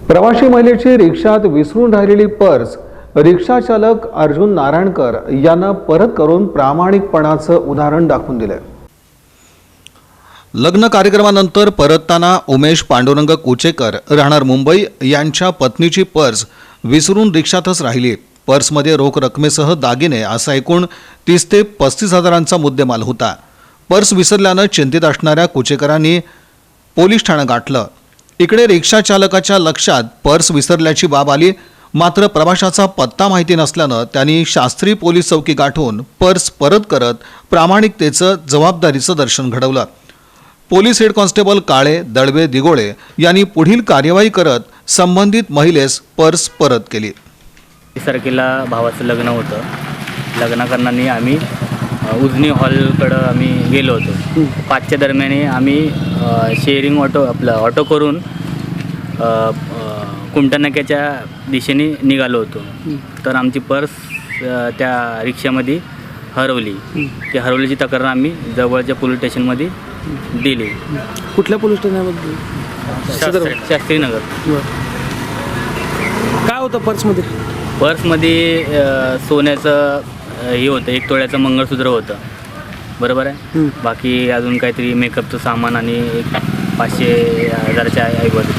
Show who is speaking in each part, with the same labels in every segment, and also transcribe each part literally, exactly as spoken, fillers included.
Speaker 1: प्रवासी महिलेची रिक्षात विसरून राहिलेली पर्स रिक्षा चालक अर्जुन नारायणकर यांना परत करून प्रामाणिकपणाचं उदाहरण दाखवून दिले।
Speaker 2: लग्न कार्यक्रमानंतर परतताना उमेश पांडुरंग कुचेकर राहणार मुंबई यांच्या पत्नीची पर्स विसरून रिक्षातच राहिली। पर्समध्ये रोख रकमेसह दागिने असा एकूण तीस ते पस्तीस हजारांचा मुद्देमाल होता। पर्स विसरल्यानं चिंतित असणाऱ्या कुचेकरांनी पोलीस ठाणं गाठलं। इकडे रिक्षा चालकाच्या लक्षात पर्स विसरल्याची बाब आली, मात्र प्रवाशाचा पत्ता माहिती नसल्यानं त्यांनी शास्त्री पोलीस चौकी गाठून पर्स परत करत प्रामाणिकतेचं जबाबदारीचं दर्शन घडवलं। Police head constable Kale Dalve Digole यांनी पुढील कार्यवाही करत संबंधित महिलेस पर्स परत केली।
Speaker 3: तारखेला भावाचं लग्न होतं। लग्न करताना आम्ही उजनी हॉलकडं आम्ही गेलो होतो। पाचच्या दरम्यान आम्ही शेअरिंग ऑटो आपलं ऑटो करून कुमटानाक्याच्या दिशेने निघालो होतो। तर आमची पर्स त्या रिक्षामध्ये हरवली। ती हरवल्याची तक्रार आम्ही जवळच्या पोलीस स्टेशनमध्ये दिली।
Speaker 4: कुठल्या पोलीस स्टेशनमध्ये?
Speaker 3: शास्त्रीनगर।
Speaker 4: काय होतं पर्समध्ये?
Speaker 3: पर्समध्ये सोन्याचं हे होतं, एक तोळ्याचं मंगळसूत्र होतं, बरोबर आहे। बाकी अजून काहीतरी मेकअपचं सामान आणि एक पाचशे हजाराच्या ऐवज।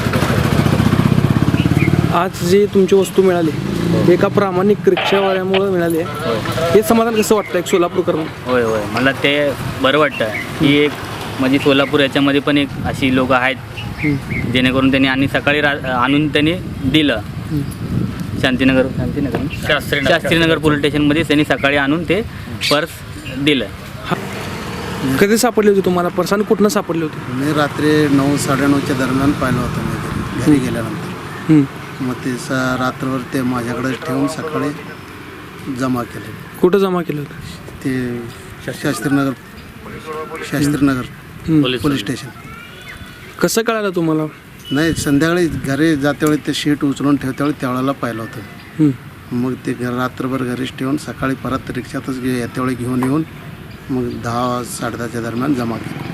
Speaker 4: आज जी तुमची वस्तू मिळाली एका प्रामाणिक रिक्षावाल्यामुळे मिळाली आहे, हे समाधान कसं वाटतं एक सोलापूरकरांना?
Speaker 3: होय होय मला ते बरं वाटतं की एक म्हणजे सोलापूर याच्यामध्ये पण एक अशी लोक आहेत जेणेकरून त्यांनी आणि सकाळी रा आणून त्यांनी दिलं। शांतीनगर शांतीनगर शास्त्रीनगर शास्त्रीनगर पोलीस स्टेशनमध्ये त्यांनी सकाळी आणून ते पर्स दिलं।
Speaker 4: कधी सापडली होती तुम्हाला पर्स आणि कुठनं सापडली होती?
Speaker 5: मी रात्री नऊ साडेनऊच्या दरम्यान पाहिलं होतं मी घरी गेल्यानंतर। मग ते सा रात्रभर ते माझ्याकडे ठेवून सकाळी जमा केले।
Speaker 4: कुठं जमा केलं होतं?
Speaker 5: ते शास्त्रीनगर शास्त्रीनगर पोलीस स्टेशन।
Speaker 4: कसं कळालं तुम्हाला?
Speaker 5: नाही, संध्याकाळी घरी जातेवेळी ते शीट उचलून ठेवतेवेळी त्यावेळेला पाहिलं होतं। मग ते रात्रभर घरीच ठेवून सकाळी परत रिक्षातच गे येतेवेळी घेऊन येऊन मग दहा साडे दहाच्या दरम्यान जमा केलं।